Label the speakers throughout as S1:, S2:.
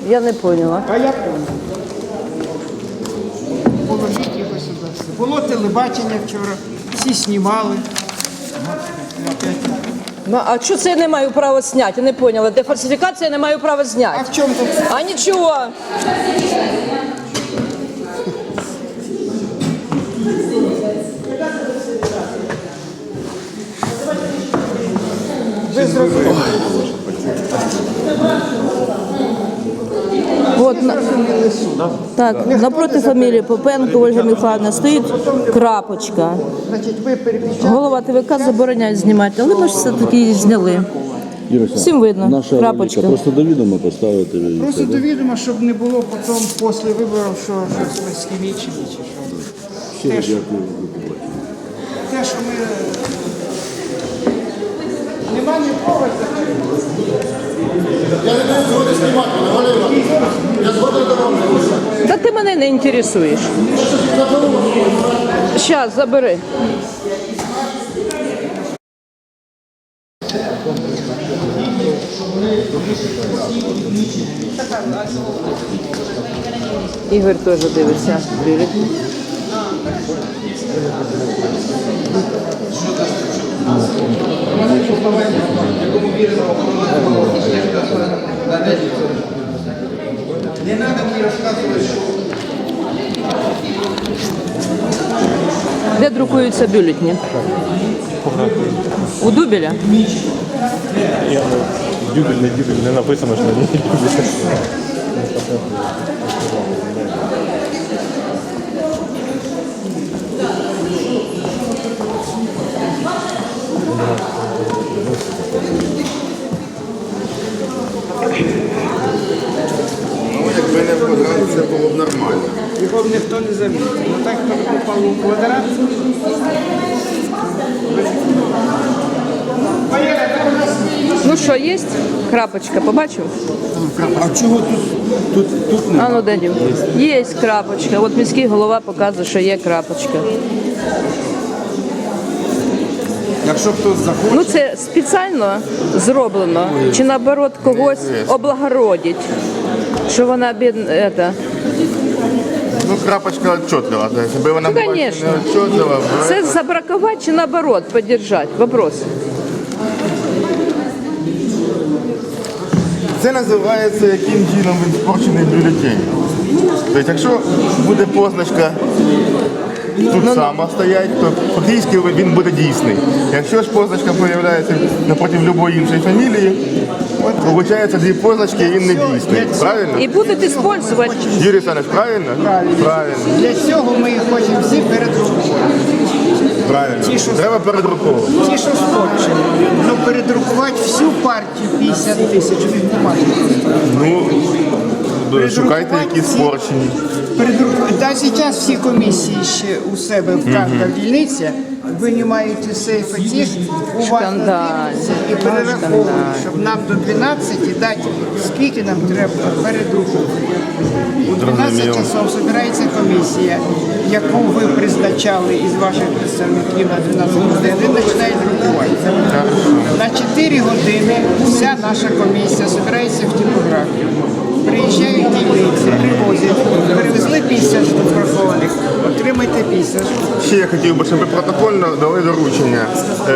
S1: Я не поняла.
S2: А я понял. Положіть його сюди. Було телебачення вчора, всі знімали.
S1: Ну, а що це я не маю права зняти? Я не поняла. Де фальсифікація, я не маю права
S2: А
S1: зняти.
S2: в чому тут?
S1: А нічого.
S2: Ви зрозуміли.
S1: От, так, напроти фамілії Попенко Ольга Михайловна стоїть крапочка.
S2: Значить, ви перепечатали.
S1: Голова ТВК забороняє знімати, але ми ж все-таки її зняли.
S3: Іруся,
S1: Всім видно,
S3: наша
S1: крапочка.
S3: ролика. Просто до відома поставити.
S2: Просто до відома, щоб не було потім після виборів, що щось ми схімічили чи що.
S3: Щиро
S2: Те, що-
S3: дякую.
S2: Те, що ми... Нема нікого закрити.
S1: Та ти мене не інтересуєш. Щас, забери. Ігор теж дивиться бюлетень.
S2: Не треба мені розказувати, що...
S1: Де друкуються бюлетні? У Дубіля?
S4: Дюбель, не написано, що на ній Дюбель.
S5: Якби не квадрат, це було б нормально.
S2: Його б ніхто не замітив. Ну так, коли попав у квадрат...
S1: Ну що, є? Крапочка, побачив?
S5: А чого тут
S1: А ну Данів. Є крапочка. От міський голова показує, що є крапочка.
S5: Якщо хтось захоче,
S1: Ну це спеціально зроблено. Чи наоборот когось облагородить. Що вона бідна.
S5: ну крапочка отчетлива. Якби вона
S1: Ну,
S5: була
S1: конечно.
S5: не отчетлива,
S1: Це забракувати чи наоборот підтримати? Вопрос.
S5: це називається яким чином він спорчений бюлетень. Тобто, якщо буде позначка тут сама стоять, то фактично він буде дійсний. Якщо ж позначка з'являється напроти будь-якої іншої фамілії, виходить дві позначки і він не дійсний. Правильно?
S1: І будуть використовувати.
S5: Юрій Олександрович, правильно? Правильно.
S2: Для цього ми їх хочемо всі передрукувати.
S5: Правильно.
S2: Ті, що-
S5: Треба передруковувати.
S2: Ті, що спорчені. Ну передрукувати всю партію 50 тисяч від бумаги.
S5: Ну, шукайте якісь спорчені.
S2: Та зараз всі комісії ще у себе в кожній дільниці винімають із сейфа тих, уважно
S1: Шкандаль.
S2: дивляться і перераховують, щоб нам до 12 дати, скільки нам треба передрукувати. У 12
S5: Зрозуміло.
S2: часов збирається комісія, яку ви призначали із ваших представників на 12 годин, і починає друкувати. На 4 години вся наша комісія збирається в типографію. Приїжджають дільниці, привозять, перевезли 50 штук врахованих, отримайте 50 штук.
S5: Ще я хотів би, щоб ви протокольно дали доручення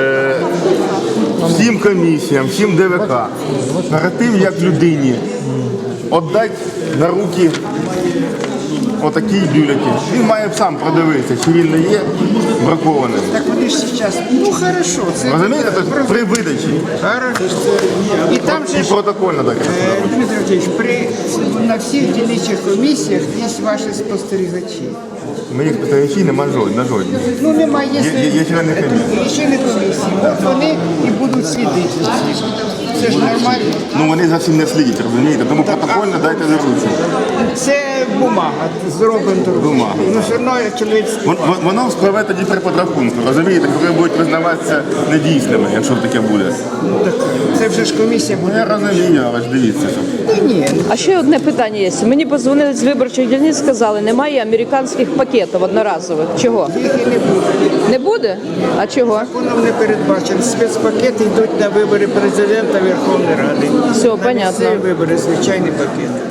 S5: всім комісіям, всім ДВК, перед тим, як людині віддати на руки отакий бюлетень. Він має сам продивитися, чи він не є бракованим.
S2: Так вони ж зараз, ну хорошо, це
S5: Розумієте? Тобто при видачі
S2: хорошо. І там же
S5: і
S2: ж,
S5: протокольно таке.
S2: Дмитро Олексійович, на всіх дільничих комісіях є ваші спостерігачі.
S5: Моїх спостерігачів немає на жодній.
S2: Ну немає,
S5: Є члени комісії.
S2: члени комісії. От вони і будуть слідити. Це ж нормально.
S5: Ну вони зовсім не слідять, розумієте? Тому протокольно дайте доручення.
S2: Це бумага, зроблена
S5: Бумага.
S2: Ну все одно чоловік.
S5: Воно спливе тоді при подрахунку, розумієте, коли будуть визнаватися недійсними, якщо таке буде.
S2: Це вже ж комісія
S5: Ну я
S2: буде.
S5: розумію, але ж дивіться, що.
S2: Ні,
S1: А ще одне питання є. Мені подзвонили з виборчих дільниць, сказали, немає американських пакетів одноразових. Чого?
S2: їх і не буде.
S1: Не буде? А чого?
S2: Законом не передбачено. Спецпакети йдуть на вибори президента Верховної Ради.
S1: Все,
S2: На
S1: понятно.
S2: місцеві вибори, звичайний пакет.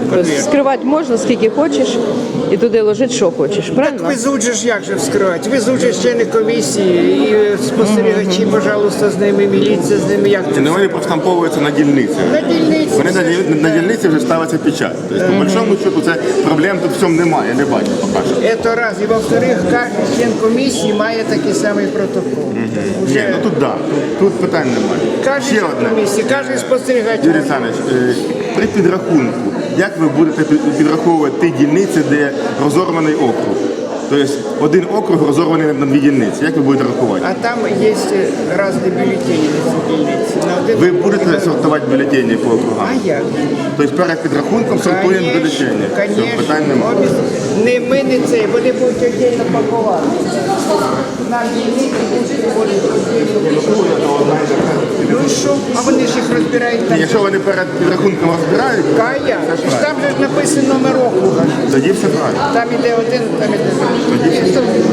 S2: конверт.
S1: Скривати можна скільки хочеш і туди ложити, що хочеш. Правильно?
S2: Везуть же ж як же вскривати? Везуть же члени комісії і спостерігачі, пожалуйста, з ними, міліція з ними. Як це?
S5: Не вони проштамповуються на дільниці.
S2: На дільниці.
S5: Вони на дільниці вже ставиться печать. Тобто, по большому счету, це проблем тут в цьому немає, я не бачу поки що.
S2: Це раз. І во-вторых, кожен член комісії має такий самий протокол.
S5: Ні, ну тут да, тут питань немає.
S2: Кожен
S5: Ще
S2: член
S5: одне.
S2: комісії, кожен спостерігач.
S5: Юрій Олександрович, при підрахунку, як ви будете підраховувати ті дільниці, де розорваний округ? Тобто один округ розорваний на дві дільниці. Як ви будете рахувати?
S2: А там є різні бюлетені на цій дільниці. На один
S5: Ви будете сортувати бюлетені по округам?
S2: А як?
S5: Тобто перед підрахунком сортуємо бюлетені. Все, питань немає.
S2: Не ми не це, вони будуть віддільно пакувати. На дільниці будуть віддільно. Ну і що? А вони ж їх розбирають там.
S5: Якщо вони перед підрахунком розбирають,
S2: Кая, там же ж написано номер округа.
S5: тоді все правильно.
S2: Там іде один, там іде другий.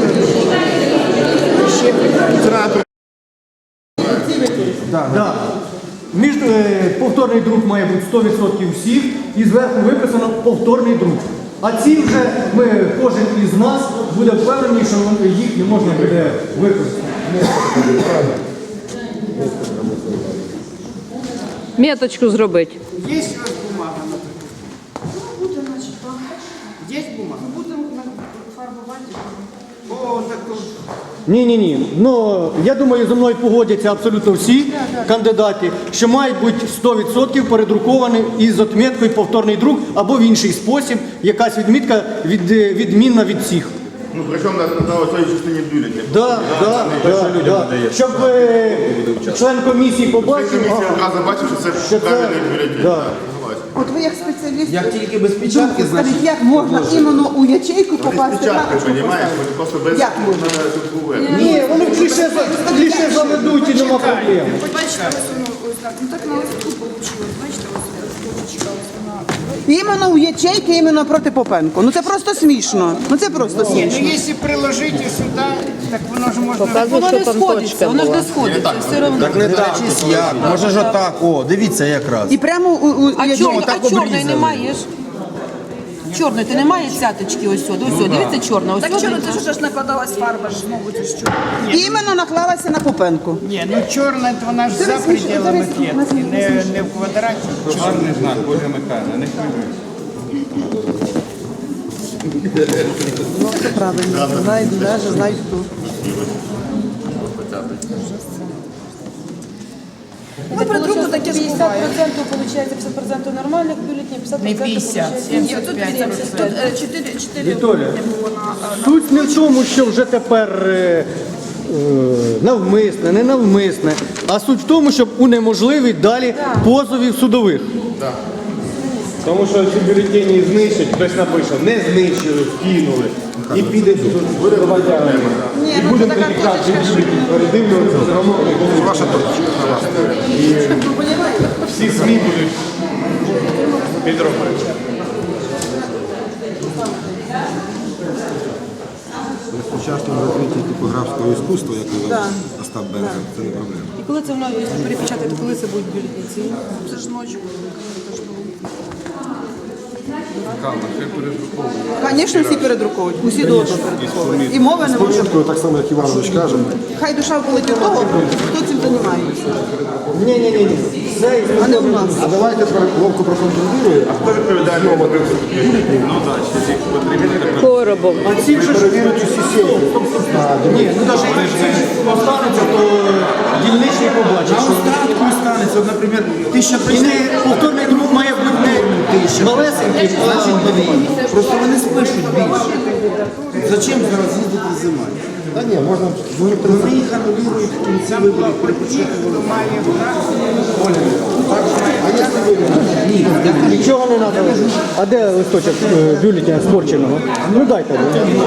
S2: Ще питання.
S6: Да. Повторний друк має бути 100% всіх і зверху виписано повторний друк. А ці вже кожен із нас буде впевнений, що їх не можна буде використати.
S1: Меточку зробити.
S2: Є у вас бумага, наприклад? Є бумага?
S7: Будемо фарбувати.
S2: О, так то
S6: Ні. Ну, я думаю, зі мною погодяться абсолютно всі кандидати, що мають бути 100% передруковані із отміткою повторний друк або в інший спосіб, якась відмітка відмінна від всіх.
S5: Ну, причому на цій частині бюлетня.
S6: Да. Щоб член комісії побачив.
S5: Комісія одразу бачить, що це
S6: Що це-
S5: правильний бюлетень.
S6: Да.
S5: Так, согласен.
S8: От ви як спеціаліст,
S9: Як тільки без печатки,
S8: скажіть,
S9: значить
S8: як можна іменно у ячейку
S5: Без
S8: попасти
S5: печатки,
S8: рамочку
S5: розумієш?
S8: поставити?
S5: Вони просто без
S8: Як можна?
S6: Ні, вони кліше заведуть і нема проблем.
S7: Бачите, ось воно ось так. Ну так на листку вийшло. Бачите, ось точечка, ось вона.
S8: Іменно у ячейки, іменно проти Попенко. Ну це просто смішно. Ну це просто
S2: Ні,
S8: смішно.
S2: ну якщо приложити сюди, так воно ж можна...
S1: Показує, що там точка була.
S7: сходиться, все одно.
S9: так не так. Як? Може ж отак. О, дивіться якраз.
S8: І прямо у
S7: А
S8: ячейку.
S7: чорної
S9: обрізали.
S7: немає ж? Чорної, ти немає цяточки ось сюди. Ось сюди. Дивіться, чорна. Ось
S10: Так
S7: сюди.
S10: чорно, це ж накладалась фарба ж знову це ж чорно.
S8: Іменно наклалася на Попенко.
S2: Ні, ну чорна, вона ж за пределами клітки, не в квадраті.
S4: Чорний знак, Боже Михайло, не хвилюй.
S8: Ну це правильно. Знають, знають хто.
S10: Ну, при другу таке
S7: 50%
S10: буває.
S7: виходить, 50% нормальних бюлетнів, 50%
S10: Не 50,
S7: виходить. Ні, тут
S10: 75.
S7: 75.
S10: 4
S6: Вікторія,
S10: не було на...
S6: суть не в тому, що вже тепер навмисне, не навмисне, а суть в тому, щоб унеможливити далі позовів судових.
S4: Тому що ці бюлетені знищать, хтось напише, не знищили, скинули. І піде буде громадянами. І будемо тоді кожен бюлетень передивлюватися, все одно ваша точка. І всі СМІ будуть підробити.
S9: При сучасному розвитку типографського іскусства, як казав Остап Бендер, це не проблема.
S7: І коли це воно, якщо перепечатати, коли це будуть бюлетні?
S10: Це ж ночі.
S8: Звісно, всі передруковують. Усі должні передруковують. І мови не може бути.
S9: Так само, як Іванович каже.
S8: Хай душа болить у того, хто цим займається.
S6: Ні. Це
S8: А не у нас.
S9: А давайте ловко проконтролюємо.
S5: Хто відповідає за
S1: Коробов.
S6: а ці вже ж
S9: Перевірить усі сейфи.
S6: ні, ну навіть якщо останеться, то дільничний побачить, що
S9: Остатку станеться, от, наприклад, 1000
S6: і не повторний друк має бути не малесенький, а
S9: Просто вони спишуть більше. Зачем зараз їздити зима? Та ні, можна вони їх анулюють в кінці виборів, перепочатку.
S6: нічого не треба. А де листочок бюлетня спорченого? Ну дайте.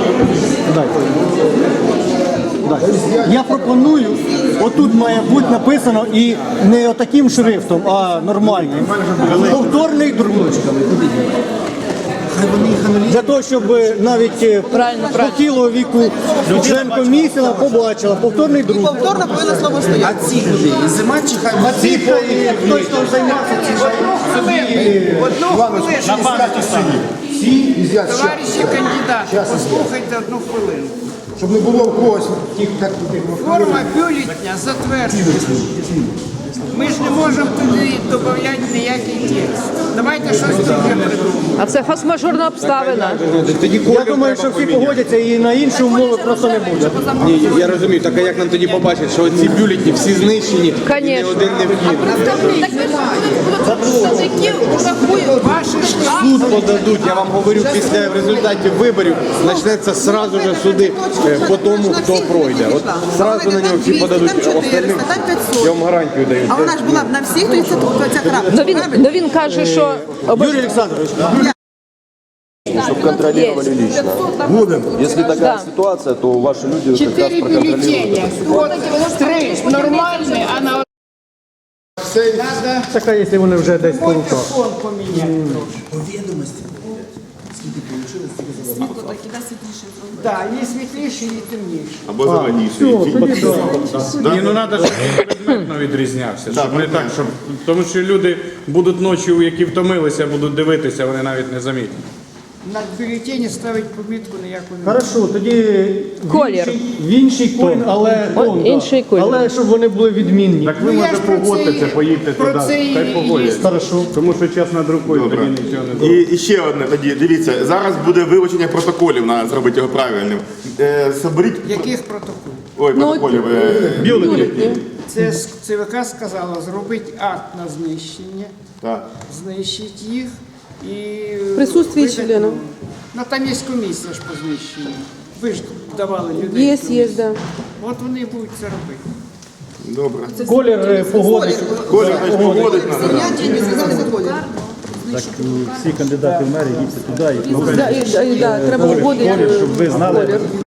S6: Я пропоную, отут має бути написано і не отаким шрифтом, а нормальним. Повторний друк.
S9: Хай вони їх анулюють.
S6: Для того, щоб навіть похилого віку член комісії побачила повторний друк.
S8: Повторно повинно слово стояти.
S9: А ці люди, і зима чи хай
S6: А ці хтось там займався ці
S2: Одну хвилину. Товариші кандидати, послухайте одну хвилину.
S9: щоб не було в когось тих так.
S2: Форма бюлетня затверджена. Ми ж не можемо туди додати ніякий текст. Давайте щось друге придумаємо.
S1: А це форс-мажорна обставина.
S4: Тоді
S6: Я думаю, що всі погодяться і на інші умови просто не буде.
S4: Ні, я розумію, так а як нам тоді побачити, що ці бюлетні всі знищені, і ні
S1: Конечно.
S4: один не вкинутий?
S10: Так представники рахують.
S2: Ваші ж
S4: Суд подадуть, я вам говорю, після результатів виборів почнеться сразу же суди по тому, хто пройде. От зразу на нього всі подадуть, а остальним я вам гарантію даю.
S8: А вона ж була б на всіх, то і ця крапка.
S1: Ну він каже, що
S6: Юрій Олександрович,
S3: Чтобы контролировали лично.
S9: Будем.
S3: Если такая ситуация, то ваши люди как раз
S2: 4
S3: проконтролируют.
S2: бюллетеня. От 3 нормальні, а на надо
S6: така, якщо вони вже десь по руках.
S2: фон поміняти. Так, є світліші, і темніші.
S5: Або зеленіший.
S11: Ні, ну треба, щоб предметно відрізнявся. Щоб не так, щоб... Тому що люди будуть ночі, які втомилися, будуть дивитися, вони навіть не замітять.
S2: На бюлетені ставить помітку ніяку не
S6: Хорошо, тоді
S1: Колір.
S6: в інший колір, але тон, да.
S1: інший колір.
S6: Але щоб вони були відмінні.
S11: Так ви
S2: Ну, я
S11: може
S2: ж про це
S11: погодьтеся,
S2: і-
S11: поїдьте
S2: про
S11: туди,
S2: це і-
S11: хай погодять.
S6: Хорошо.
S11: Тому що час надрукують, тоді нічого не зробить.
S5: І ще одне тоді, дивіться, зараз буде вилучення протоколів, треба зробити його правильним. Соберіть,
S2: Яких протоколів?
S5: ой, протоколів,
S2: Це ЦВК сказала зробити акт на знищення,
S5: так.
S2: знищити їх і...
S8: Присутствие
S2: видати
S8: члена.
S2: нову. Ну там є комісія ж по знищенню. Ви ж давали людей.
S8: Є, да.
S2: От вони будуть це робити.
S5: Добре.
S6: Колір погодить.
S5: Колір значить, погодить треба. да.
S6: Всі кандидати в мери їдьте туди і
S8: Да, треба вводити
S6: щоб ви знали.